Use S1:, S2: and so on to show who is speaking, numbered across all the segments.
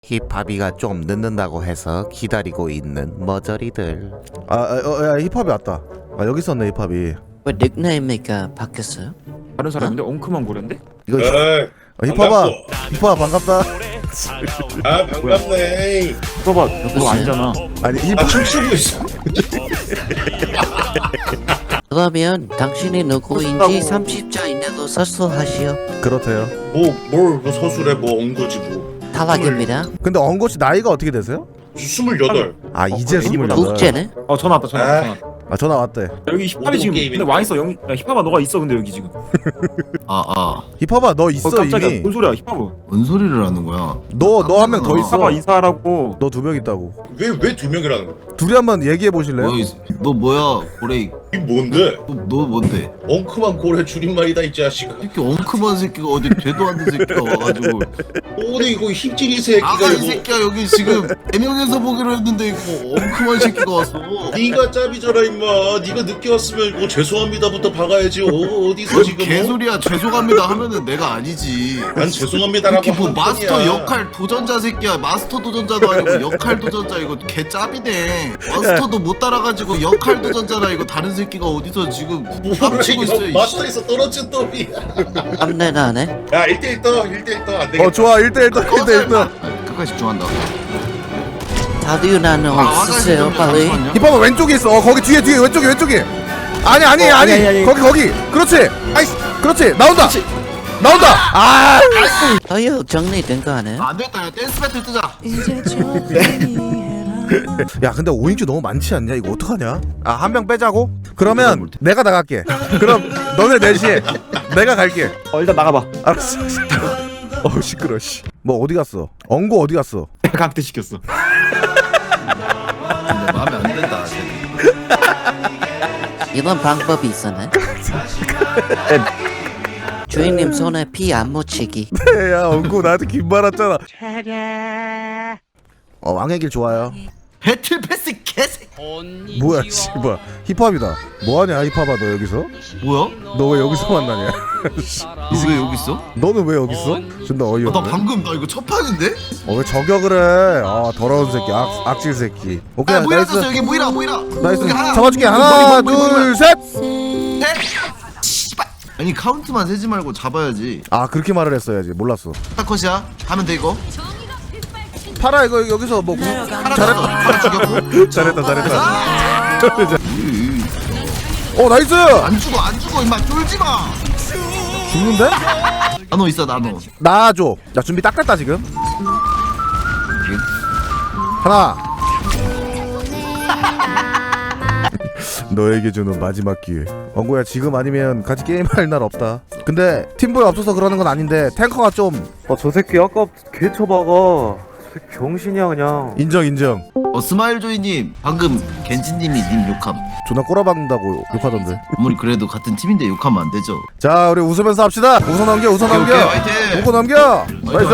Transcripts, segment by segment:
S1: 힙합이가 좀 늦는다고 해서 기다리고 있는 머저리들.
S2: 야, 힙합이 왔다. 아, 여기 있었네 힙합이.
S3: 왜 닉네임이가 바뀌었어요?
S4: 다른 사람인데 엉큼한 고래인데?
S2: 이거
S5: 에이,
S2: 힙합아 반갑다.
S5: 아 반갑네.
S4: 봐봐, 그거 아니잖아.
S2: 아니
S5: 아
S2: 힙합
S5: 춤추고 있어.
S3: 그러면 당신이 누구인지 30자 이내로 서술하시오.
S2: 그렇대요.
S5: 뭘 서술해 뭐 엉거지 뭐.
S3: 탈락입니다.
S2: 근데 엉고씨 나이가 어떻게 되세요?
S5: 28.
S2: 아 이제
S4: 그래,
S2: 28.
S3: 국제네?
S4: 전화 왔다, 전화 왔다.
S2: 아 전화 왔대.
S4: 여기 힙합이 지금
S5: 게임이네.
S4: 근데 와 있어. 야, 힙합아 너가 있어 근데 여기 지금.
S2: 힙합아 너 있어
S4: 깜짝이야.
S2: 이미.
S4: 뭔 소리야, 힙합아.
S6: 뭔 소리를 하는 거야?
S2: 너 한 명 더 있어.
S4: 힙합아 인사하라고.
S2: 너 두 명 있다고.
S5: 왜 두 명이라는 거야?
S2: 둘이 한번 얘기해 보실래요?
S6: 너 뭐야 고레이?
S5: 이 뭔데?
S6: 너 뭔데?
S5: 엉큼한 고래 줄임말이다 이 자식아.
S6: 이렇게 엉큼한 새끼가 어디 되도 않는 새끼가 와가지고
S5: 오늘 이거 힙질이 새끼가
S6: 아까 이
S5: 이거.
S6: 새끼야 여기 지금 4명에서 보기로 했는데 이거 엉큼한 새끼가 왔어.
S5: 네가 짭이잖아 임마. 네가 늦게 왔으면 이거 죄송합니다부터 박아야지. 어디서
S6: 뭔
S5: 지금?
S6: 개소리야. 죄송합니다 하면은 내가 아니지.
S5: 난 죄송합니다라고
S6: 이렇게 뭐
S5: 한
S6: 마스터
S5: 편이야.
S6: 역할 도전자 새끼야. 마스터 도전자도 아니고 역할 도전자. 이거 개 짭이네. 마스터도 못 따라가지고 역할 도전자라. 이거 다른 새끼가 어디서 지금 깝치고 있어. 이
S5: 마스터에서 떨어진 놈이야.
S3: 깜내나네?
S5: 야 1대1 떠. 1대1 떠. 안 되겠다.
S2: 좋아 1대1 더 1대1 더.
S6: 끝까지 집중한다.
S3: 다들 나는 없으세요 빨리.
S2: 힙합아 왼쪽에 있어. 거기 뒤에 왼쪽에. 아니. 거기. 그렇지. 아이씨. 그렇지. 나온다. 아.
S3: 어휴 정리된 거 아니에요?
S6: 안 됐다. 야, 댄스 배틀 뜨자.
S2: 야 근데 5인큐 너무 많지 않냐? 이거 어떡하냐? 아 한 명 빼자고? 그러면 내가 나갈게. 그럼 너네 넷이 내가 갈게.
S4: 일단 나가봐.
S2: 알았어. 어우 시끄러. 씨. 뭐 어디 갔어? 엉고 어디 갔어?
S4: 강퇴 시켰어.
S6: 근데 마음에 안 든다.
S3: 이런 방법이 있었네. 주인님 손에 피 안 묻히기.
S2: 야 엉고 나한테 긴 말 왔잖아. 왕의 길 좋아요.
S6: 배틀 패스 개새.
S2: 뭐야 씨발 힙합이다. 뭐하냐 힙합아 너 여기서?
S6: 뭐야?
S2: 너 왜 여기서 만나냐?
S6: 너 왜 여기 있어?
S2: 너는 왜 여기 있어? 존나
S6: 나
S2: 어이없네.
S6: 방금 나 이거 첫 판인데?
S2: 왜 저격을 해? 아 더러운 새끼 악질 새끼. 오케이
S6: 야 모이라 떴어
S2: 나이스.
S6: 여기 모이라.
S2: 나이스.
S6: 여기 하나.
S2: 잡아줄게. 하나
S6: 머리.
S2: 둘 셋.
S6: 셋. 씨발. 아니 카운트만 세지 말고 잡아야지.
S2: 아 그렇게 말을 했어야지. 몰랐어.
S6: 컷이야. 하면 돼 이거.
S2: 파라 이거 여기서 뭐
S6: 잘했다. 하나 죽였고.
S2: 잘했다.
S6: 으이.
S2: 나이스.
S6: 안 죽어 임마 쫄지 마.
S2: 죽는데?
S6: 나노 있어 나노.
S2: 나줘. 야 준비 딱 됐다 지금. 하나. 너에게 주는 마지막 기회. 엉구야 지금 아니면 같이 게임할 날 없다. 근데 팀보이 없어서 그러는 건 아닌데 탱커가 좀
S7: 저 새끼 아까 개 쳐박아. 저 새끼 병신이야 그냥.
S2: 인정.
S6: 스마일 조이님 방금 겐지님이 님 욕함.
S2: 존나 꼬라박는다고 욕하던데.
S6: 아무리 그래도 같은 팀인데 욕하면 안 되죠.
S2: 자 우리 웃으면서 합시다. 웃어 넘겨.
S6: 오케이, 화이팅!
S2: 웃고 넘겨. 나이스.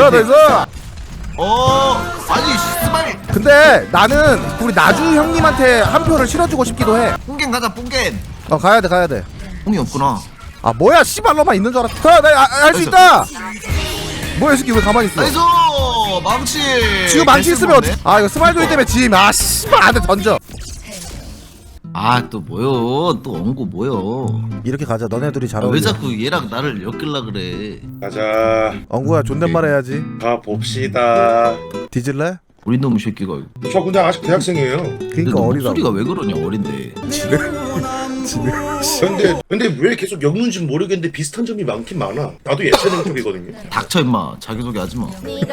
S6: 아니 스마일.
S2: 근데 나는 우리 나주 형님한테 한 표를 실어주고 싶기도 해.
S6: 뽕겐 가자 뽕겐.
S2: 가야돼.
S6: 뽕이 없구나.
S2: 아 뭐야 씨발로만 있는 줄 알았어. 그래 나할 수 있다. 뭐야 이 새끼 왜 가만히 있어?
S6: 나이스 망치.
S2: 지금 망치 있으면 이거 스마일도이 때문에 짐. 아 씨발 안돼 던져.
S6: 또 뭐요? 또 엉고 뭐요?
S2: 이렇게 가자. 너네 둘이 잘
S6: 왜
S2: 어울려.
S6: 자꾸 얘랑 나를 엮일라 그래?
S5: 가자.
S2: 엉구야 존댓말 해야지.
S5: 가 봅시다.
S2: 뒤질래?
S6: 우리 놈의 새끼가.
S5: 저 근데 아직 대학생이에요.
S2: 그러니까
S6: 너
S2: 어리다고.
S6: 목소리가 왜 그러냐 어린데.
S5: 근데 왜 계속 엮는지 모르겠는데 비슷한 점이 많긴 많아. 나도 예체능 쪽이거든요.
S6: 닥쳐 임마 자기소개 하지마.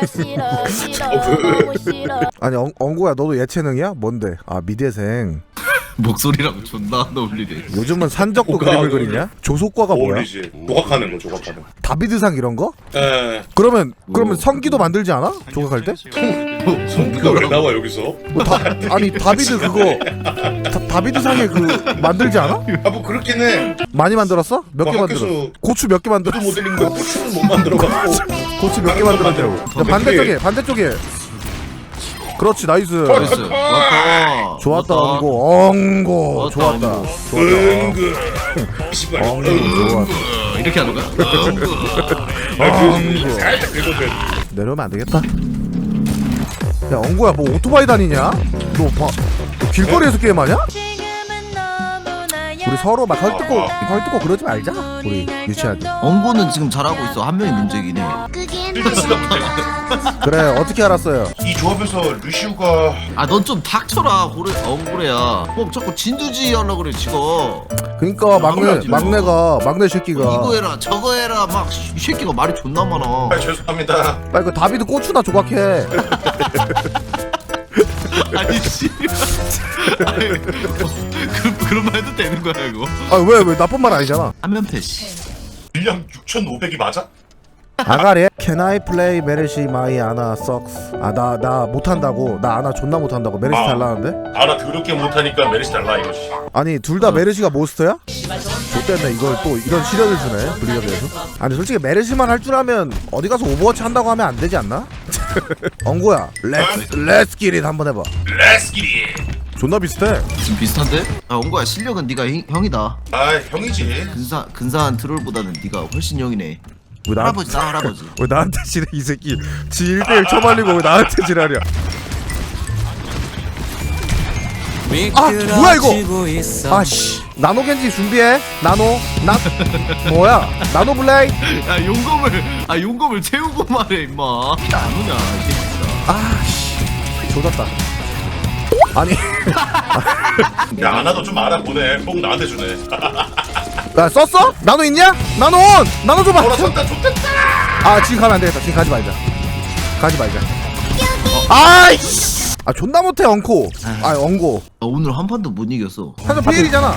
S2: 아니 엉구야 너도 예체능이야? 뭔데? 아 미대생.
S6: 목소리랑 존나 안 어울리네.
S2: 요즘은 산적도
S5: 뭐가
S2: 그림을 그리냐? 조속과가 뭐야?
S5: 어울리지. 조각하는 거 조각하는 거.
S2: 다비드상 이런 거?
S5: 에.
S2: 그러면 성기도 만들지 않아? 조각할 때?
S5: 성기가 왜 나와 여기서?
S2: 아니 다비드 그거 다비드상에 그 만들지 않아?
S5: 뭐 그렇긴 해.
S2: 많이 만들었어? 몇 개
S5: 뭐
S2: 만들었어?
S5: 학교에서
S2: 고추 몇 개
S5: 푸드
S2: 만들었어?
S5: 모델링 거 고추는 못 만들어갖고.
S2: 고추 몇 개 만들었냐고. 반대쪽에. 그렇지 나이스.
S6: 나이스. 좋았다.
S2: 좋았다 엉고. 좋았다.
S5: 은근. 씨발.
S2: 좋았다.
S6: 이렇게 하는 거야?
S5: 살짝 긁어줘야 돼.
S2: 내려오면 안 되겠다. 야 엉구야 뭐 오토바이 다니냐? 너 길거리에서 게임하냐? 우리 서로 막 헐뜯고 그러지 말자. 우리 유치하게.
S6: 엉고는 지금 잘하고 있어. 한 명이 문제긴 해.
S5: 필드스가 문제가.
S2: 그래 어떻게 알았어요?
S5: 이 조합에서 루시우가
S6: 아 넌 좀 닥쳐라 엉고래야. 뭐 자꾸 진두지 하려고 그래 지금.
S2: 그니까 막내 새끼가
S6: 이거 해라 저거 해라 막 이 새끼가 말이 존나 많아.
S5: 아, 죄송합니다.
S2: 빨리 그 다비드 고추나 조각해.
S6: 아니 씨. 그런 말 해도 되는 거야 이거?
S2: 아 왜 나쁜 말 아니잖아.
S6: 한면패 씨.
S5: 분량 6,500이 맞아?
S2: 아가리 Can I play 메르시 마이 아나 sucks. 나 못한다고. 나 아나 존나 못한다고. 메르시 달라는데?
S5: 나 더럽게 못하니까 메리시 달라 이거지.
S2: 아니 둘 다 메르시가 모스터야? 좋댔네. 이걸 또 이런 시련을 주네 블리자드에서. 아니 솔직히 메르시만 할 줄 알면 어디 가서 오버워치 한다고 하면 안 되지 않나? 엉구야 렛츠 기릿 한번 해봐.
S5: 레스키리.
S2: 존나 비슷해.
S6: 지금 비슷한데? 아 엉고야 실력은 네가 형이다.
S5: 아 형이지.
S6: 근사한 트롤보다는 네가 훨씬 형이네.
S2: 왜
S6: 할아버지다 할아버지.
S2: 왜 나한테 지랄 이 새끼. 지 1대1 쳐말리고 왜 나한테 지랄이야. 아 뭐야 이거. 아씨 나노겐지 준비해. 뭐야 나노 블레이.
S6: 야 용검을 채우고 말해 임마. 안 오냐 이 새끼가.
S2: 아씨 조졌다. 아니
S5: 야 아나도 좀 알아보네. 꼭 나한테 주네.
S2: 야 썼어? 나노 있냐? 나노 줘봐.
S5: 돌아섰다 좋겠다.
S2: 아 지금 가면 안 되겠다. 지금 가지 말자. 아이씨. 아 존나 못해 엉코. 아 엉고.
S6: 아, 오늘 한 판도 못 이겼어.
S2: 한점 피해이잖아.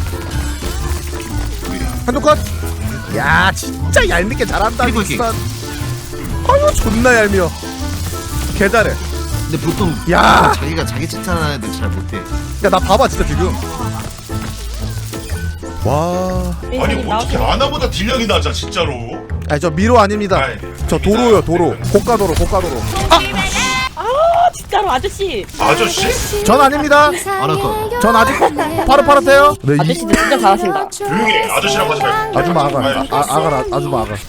S2: 한점 컷. 야 진짜 얄밉게 잘한다.
S6: 피부킥.
S2: 진짜. 아유 존나 얄미워. 개 잘해.
S6: 근데 보통
S2: 야.
S6: 자기가 자기 칭찬하는 애들 잘 못해.
S2: 야 나 봐봐 진짜 지금. 와.
S5: 아니 어떻게 아나보다 딜량이 낮아 진짜로.
S2: 아니 저 미로 아닙니다.
S5: 아이.
S2: 저 도로요 도로. 고가도로.
S8: 진짜로 아저씨.
S5: 아저씨?
S2: 전 아닙니다.
S6: 알았어.
S2: 전 아직 파릇파릇해요. 네,
S8: 아저씨도 진짜 잘하신다.
S5: 조용히 해. 아저씨라고 하지 말고.
S2: 아줌마 아가. 아줌마 아가.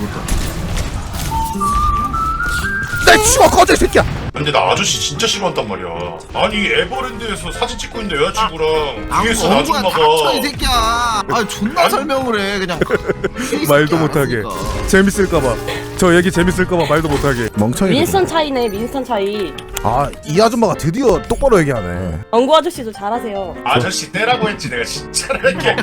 S2: 내 치워 꺼져 이 새끼야.
S5: 근데 나 아저씨 진짜 싫어한단 말이야. 아니 에버랜드에서 사진 찍고 있는데 여자친구랑 뒤에서 나
S6: 엉고야
S5: 아줌마가
S6: 닥쳐 이 새끼야. 아 존나 설명을 해 그냥.
S2: 말도 못하게. 재밌을까봐. 저 얘기 재밌을까봐 말도 못하게. 멍청이.
S8: 윈스턴 차이네, 윈스턴 차이.
S2: 아이 아줌마가 드디어 똑바로 얘기하네.
S8: 엉구 아저씨도 잘하세요.
S5: 아저씨 떼라고 했지 내가 진짜라게.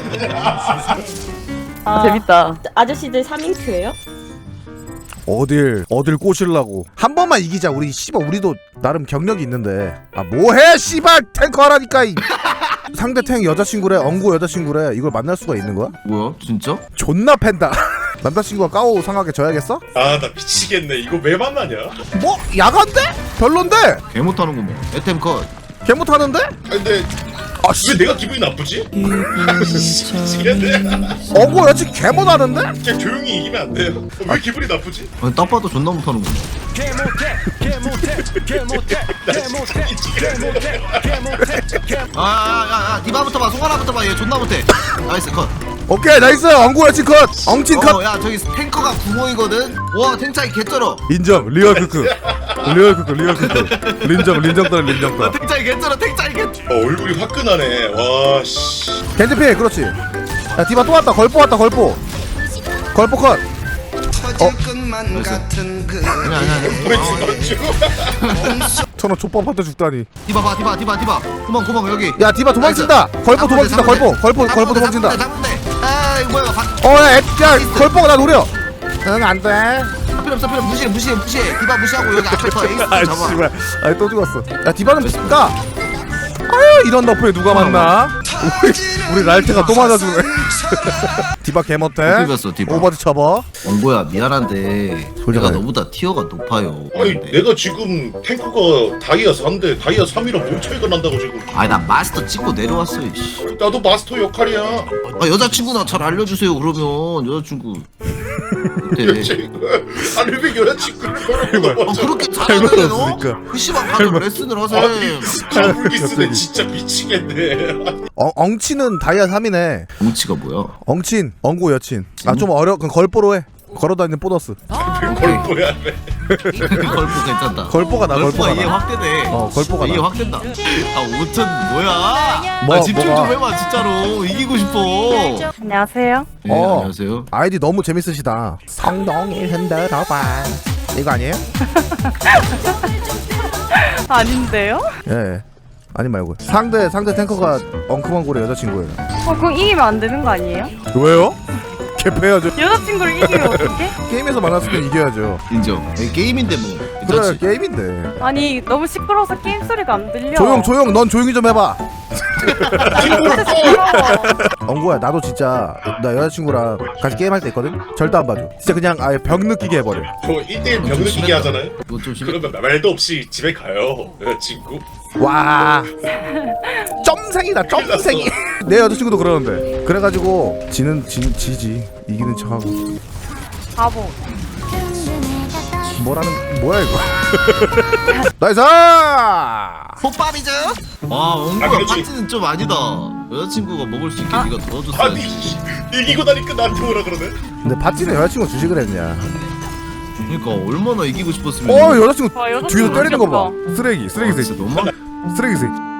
S8: 아, 재밌다. 아저씨들 3인큐예요?
S2: 어딜 꼬실라고. 한 번만 이기자. 우리 씨발 우리도 나름 경력이 있는데. 아 뭐해 씨발 탱커 하라니까. 상대 탱 여자친구래. 엉구 여자친구래. 이걸 만날 수가 있는 거야?
S6: 뭐야 진짜?
S2: 존나 팬다. 남자친구가 까오 상하게 져야겠어?
S5: 아 나 미치겠네. 이거 왜 만나냐?
S2: 뭐 야간데? 별론데?
S6: 개 못하는구먼. 에템 컷.
S2: 개 못하는데?
S5: 근데
S2: 아씨
S5: 왜 내가 기분이 나쁘지? 미치겠네.
S2: 어구 여친 개 못하는데?
S5: 그냥 조용히 이기면 안 돼요. 왜 기분이 나쁘지?
S6: 아니 딱 봐도 존나 못하는구먼. 아야야야 디바부터 봐. 송하나부터 봐. 얘 존나 못해. 나이스 컷.
S2: 오케이 나이스. 엉구 여친 컷. 엉친 컷.
S6: 야 저기 탱커가 구멍이거든. 와 탱차이 개쩔어.
S2: 인정. 리얼 크크. 린정.
S6: 탱차이 개쩔어.
S5: 얼굴이 화끈하네. 와 씨.
S2: 겐지피 그렇지. 야 디바 또 왔다. 걸포 컷.
S6: 아니야.
S5: 왜 죽었죠?
S2: 천원 족밥한테 죽다니.
S6: 디바 봐. 디바. 구멍 여기.
S2: 야 디바 도망친다. 걸포 도망친다. 걸포 도망친다.
S6: 아 이거 뭐야?
S2: 야 걸포가 나 노려. 응 안돼.
S6: 필요 없어. 무시해. 디바 무시하고 여기 앞에 서 에이스 잡아.
S2: 씨발. 아이 또 죽었어. 야 디바는 까. 아유 이런 너프에 누가 만나? 우리 랄테가 또 맞아주네. 디바 개못해.
S6: 어떻게 봤어, 디바?
S2: 오버드 쳐봐.
S6: 엉고야 미안한데
S2: 솔직하게.
S6: 내가 너보다 티어가 높아요.
S5: 아니 내가 지금 탱커가 다이아 4인데 다이아 3이랑 뭔 차이가 난다고 지금.
S6: 아니 나 마스터 찍고 내려왔어. 이씨.
S5: 나도 마스터 역할이야.
S6: 아 여자친구나 잘 알려주세요. 그러면 여자친구. 어때?
S5: 아니 왜 여자친구를 걸어?
S6: 그렇게 잘하는데 너?
S2: 없으니까.
S6: 그 씨발 가서 레슨을 하세요.
S5: 아니 가불기 쓰네 진짜 미치겠네.
S2: 엉치는 다이아 3이네.
S6: 뭉치가 뭐야?
S2: 엉친 엉고 여친. 아 좀 어려. 그럼 걸보로 해. 걸어다니는 보너스.
S5: 골프야.
S6: 걸프 괜찮다.
S2: 걸보가 나
S6: 걸프가
S2: 걸보가
S6: 이해
S2: 나.
S6: 확대돼.
S2: 걸보가
S6: 이해
S2: 나.
S6: 확된다. 아 5천 뭐야?
S2: 뭐,
S6: 아, 집중
S2: 뭐가?
S6: 좀 해봐 진짜로. 이기고 싶어.
S8: 안녕하세요.
S6: 네,
S2: 어.
S6: 안녕하세요.
S2: 아이디 너무 재밌으시다. 성동이 흔들어봐. 이거 아니에요?
S8: 아닌데요?
S2: 예. 아니 말고 상대 탱커가 엉큼한고래 여자친구예요.
S8: 그럼 이기면 안 되는 거 아니에요?
S2: 왜요? 개패야죠.
S8: 여자친구를 이기면 어떡해?
S2: 게임에서 만났을 땐 이겨야죠.
S6: 인정. 게임인데 뭐.
S2: 그래
S6: 그렇지.
S2: 게임인데.
S8: 아니 너무 시끄러워서 게임 소리가 안 들려.
S2: 조용. 넌 조용히 좀 해봐.
S5: 친구를
S2: 엉구야 나도 진짜 나 여자친구랑 같이 게임할 때 있거든? 절대 안 봐줘. 진짜 그냥 아예 병 느끼게 해버려.
S5: 저 1대1 병 느끼게 하잖아요.
S6: 이거 좀 심해.
S5: 그러면 말도 없이 집에 가요. 여자친구.
S2: 와 점생이다 점생이. 내 여자친구도 그러는데. 그래가지고 지지 이기는 척하고.
S8: 바보.
S2: 뭐야 이거. 나이스.
S6: 호밥이죠? 와 엉구야
S5: 그렇지.
S6: 파티는 좀 아니다. 여자친구가 먹을 수 있게 네가 도와줬어.
S5: 아니 이기고 나니까 나한테 오라 그러네.
S2: 근데 파티는 여자친구 주식을 했냐.
S6: 그러니까 얼마나 이기고 싶었으면.
S2: 여자친구
S8: 와, 여자친구
S2: 뒤에서 때리는 거 봐.
S8: 귀엽다.
S2: 쓰레기
S6: 진짜 너무.
S2: 쓰레기 새끼.